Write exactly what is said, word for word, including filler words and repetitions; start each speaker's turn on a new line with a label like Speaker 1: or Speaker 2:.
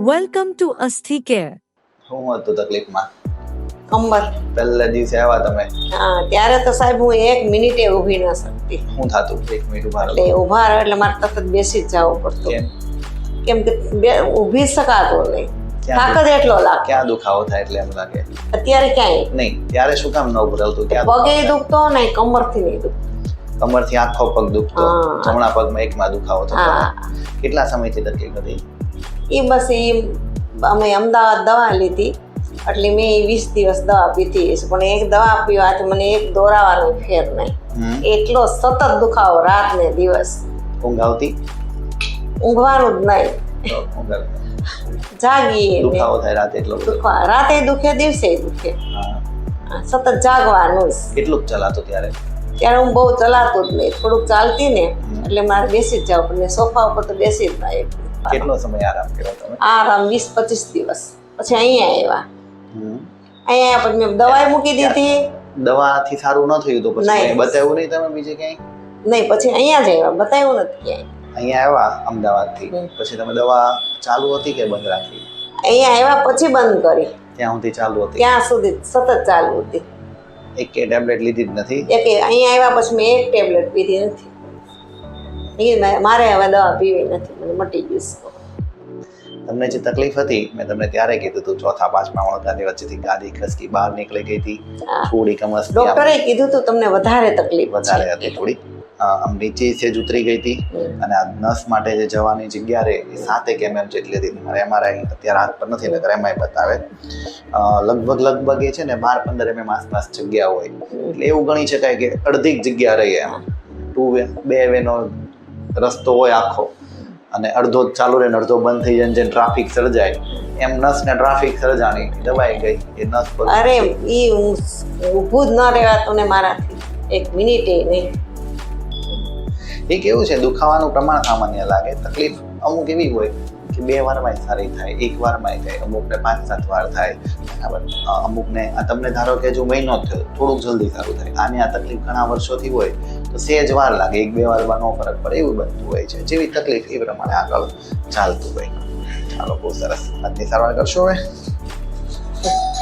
Speaker 1: Welcome to Asthi Care.
Speaker 2: હું હતું તકલીફમાં
Speaker 3: કંબર
Speaker 2: પહેલા દિવસે આવ્યા તમે
Speaker 3: હા ત્યારે તો સાહેબ હું એક મિનિટે ઊભી ન શકતી
Speaker 2: શું થાતું એક મિનિટ ઉભા રહો
Speaker 3: એટલે ઊભા રહો એટલે મારે તરત બેસી જ જવું પડતું
Speaker 2: કેમ
Speaker 3: કેમ કે બે- ઊભી જ શકાતું નહીં
Speaker 2: ક્યાં
Speaker 3: થાક જ એટલો લાગે
Speaker 2: ક્યાં દુખાવો થાય એટલે એમ લાગે
Speaker 3: અત્યારે ક્યાંય
Speaker 2: નહીં ત્યારે શું કામ ન ઉભું રહેતું ક્યાં
Speaker 3: પગે
Speaker 2: દુખાવો
Speaker 3: દુખતો નહીં કમરથી નહીં દુખતો
Speaker 2: થાય? કમરથી આખો પગ દુખતો
Speaker 3: હા.
Speaker 2: જમણા પગમાં એકમાં દુખાવો થતો
Speaker 3: હા
Speaker 2: કેટલા સમયથી તકલીફ હતી
Speaker 3: એ બસ એ અમે અમદાવાદ દવા લીધી એટલે મેં ઈ વીસ દિવસ દવા પીધી હશે પણ એક દવા પીવાથી મને એક દોરાવાનો ફેર નહીં
Speaker 2: હમ.
Speaker 3: એટલો સતત દુખાવો રાત ને દિવસ
Speaker 2: ઊંઘ આવતી
Speaker 3: ઊંઘવાનું જ નહીં
Speaker 2: તો ઊંઘ આવતી.
Speaker 3: જાગીએ ને
Speaker 2: દુખાવો થાય રાતે એટલો બધો
Speaker 3: દુખવા રાતે દુખે દિવસે દુખે
Speaker 2: હા.
Speaker 3: સતત જાગવાનું જ
Speaker 2: કેટલુંક ચલાતો ત્યારે
Speaker 3: ત્યારે હું બહુ ચલાતું જ નહીં થોડુંક ચાલતી ને એટલે મારે બેસી જ જાવ પણ સોફા ઉપર તો બેસી જ ના એકલી.
Speaker 2: કેટલો સમય આરામ કર્યો તમે
Speaker 3: આરામ વીસ પચીસ દિવસ પછી અહીંયા આવ્યા
Speaker 2: હમ.
Speaker 3: અહીંયા આવ્યા પછી મેં દવાઈ મૂકી દીધી
Speaker 2: દવાથી સારું ન થયું તો પછી
Speaker 3: નહીં.
Speaker 2: કંઈ બતાવ્યું નહીં તમે બીજે ક્યાંય
Speaker 3: નહીં પછી અહીંયા જ આવ્યા બતાવ્યું નથી ક્યાંય
Speaker 2: અહીંયા આવ્યા અમદાવાદથી
Speaker 3: હમ.
Speaker 2: પછી તમે દવા ચાલુ હતી કે બંધ રાખી
Speaker 3: અહીંયા આવ્યા પછી બંધ કરી
Speaker 2: ત્યાં સુધી ચાલુ હતી
Speaker 3: ત્યાં સુધી સતત ચાલુ હતી
Speaker 2: એક કે ટેબ્લેટ લીધી જ નથી
Speaker 3: એક અહીંયા આવ્યા પછી મેં એક ટેબ્લેટ પીધી નથી એ મેં- મારે હવે દવા પીવી નથી મને મટી ગયું છે.
Speaker 2: તમને જે તકલીફ હતી મેં તમને ત્યારે કીધું હતું ચોથા પાંચમા વળતાની વચ્ચેથી ગાદી ખસકી બહાર નીકળી ગઈ હતી
Speaker 3: હા.
Speaker 2: થોડી કમસ
Speaker 3: ડોક્ટરે કીધું તું તમને વધારે તકલીફ
Speaker 2: વધારે
Speaker 3: છે
Speaker 2: હતી થોડી અ, આમ નીચે સેજ ઉતરી ગઈ હતી
Speaker 3: હમ.
Speaker 2: અને આ નસ માટે જે જવાની જગ્યા રહે એ સાતેક એમએમ જેટલી હતી મારે એમઆરઆઈ અત્યારે હાથ પર નથી નકર એમઆઈ બતાવે અ, લગભગ લગભગ એ છે ને બાર પંદર એમએમ આસપાસ જગ્યા હોય એટલે એવું ગણી શકાય કે અડધી જ જગ્યા રહી એમ ટુ વે બે વેનો રસ્તો હોય આખો અને અડધો જ ચાલુ રહે ને અડધો બંધ થઈ જાય ને જેમ ટ્રાફિક સર્જાય એમ નસ ને ટ્રાફિક સર્જાણી દબાઈ ગઈ એ નસ પર
Speaker 3: અરે ઈ હું ઊભું જ ન રહેવાતું ને મારાથી એક મિનિટે નહીં
Speaker 2: એ કેવું છે દુખાવાનું પ્રમાણ સામાન્ય લાગે તકલીફ અમુક એવી હોય કે બે વારમાં સારી થાય એક વારમાં થાય અમુકને પાંચ સાત વાર થાય બરાબર અ, અમુકને આ તમને ધારો કે જો મહિનો જ થયો થોડુંક જલ્દી સારું થાય આની આ તકલીફ ઘણા વર્ષોથી હોય તો સેજ વાર લાગે એક બે વારમાં નો ફરક પડે એવું બનતું હોય છે જેવી તકલીફ એ પ્રમાણે આગળ ચાલતું હોય ચાલો બહુ સરસ આજની સારવાર કરશો હવે